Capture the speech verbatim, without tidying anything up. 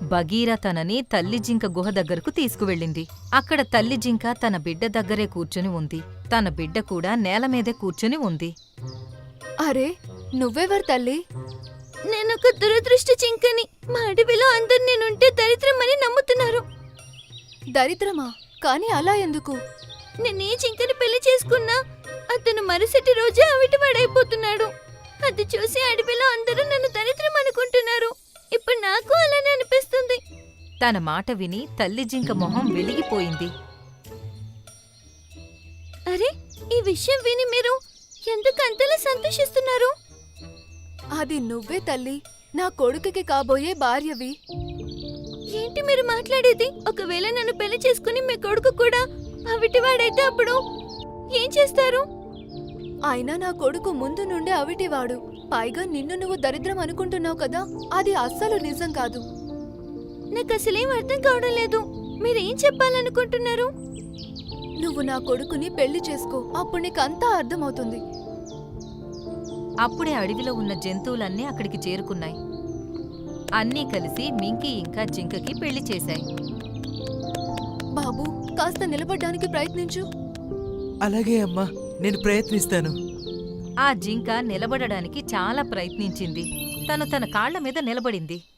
Bagheera తనని తల్లి జింక గుహ దగ్గరకు తీసుకువెళ్ళింది. అక్కడ తల్లి జింక తన బిడ్డ దగ్గరే కూర్చుని ఉంది. తన బిడ్డ కూడా నేలమీదే కూర్చుని ఉంది. అరే, నువ్వెవరు తల్లి? నేనొక దురదృష్ట జింకని. మా అడవిలో అందరు నేనుంటే దరిద్రమని నమ్ముతున్నారు. దరిద్రమా? కాని అలా ఎందుకు? నేనే జింకని పెళ్లి చేసుకున్నా అతను మరుసటి రోజే అవిటివాడైపోతున్నాడు. అది చూసి అడవిలో అందరూ నన్ను దరిద్రం అనుకుంటున్నారు. ఇప్పుడు నాకు అలానే అనిపిస్తుంది. తన మాట విని తల్లి జింక మొహం వెలిగిపోయింది. అరే, ఈ విషయం విని మీరు ఎందుకు అంతలా సంతోషిస్తున్నారు? అది నువ్వే తల్లి, నా కొడుకుకి కాబోయే భార్యవి. ఏంటి మీరు మాట్లాడేది? ఒకవేళ నన్ను పెళ్లి చేసుకుని మీ కొడుకు కూడా అవిటివాడైతే అప్పుడు ఏం చేస్తారు? అయినా నా కొడుకు ముందు నుండే అవిటివాడు. పైగా నిన్ను నువ్వు దరిద్రం అనుకుంటున్నావు కదా, అది అస్సలు నిజం కాదు. నాకు అసలేం అర్థం కావడం లేదు. మీరేం చెప్పాలనుకుంటున్నారు? నువ్వు నా కొడుకుని పెళ్లి చేసుకో, అప్పుడు నీకంతా అర్థమవుతుంది. అప్పుడే అడవిలో ఉన్న జంతువులన్నీ అక్కడికి చేరుకున్నాయి. అన్నీ కలిసి మింకీ ఇంకా జింకకి పెళ్లి చేశాయి. బాబూ, కాస్త నిలబడ్డానికి ప్రయత్నించు. అలాగే అమ్మా, నేను ప్రయత్నిస్తాను. ఆ జింక నిలబడడానికి చాలా ప్రయత్నించింది. తను తన కాళ్ల మీద నిలబడింది.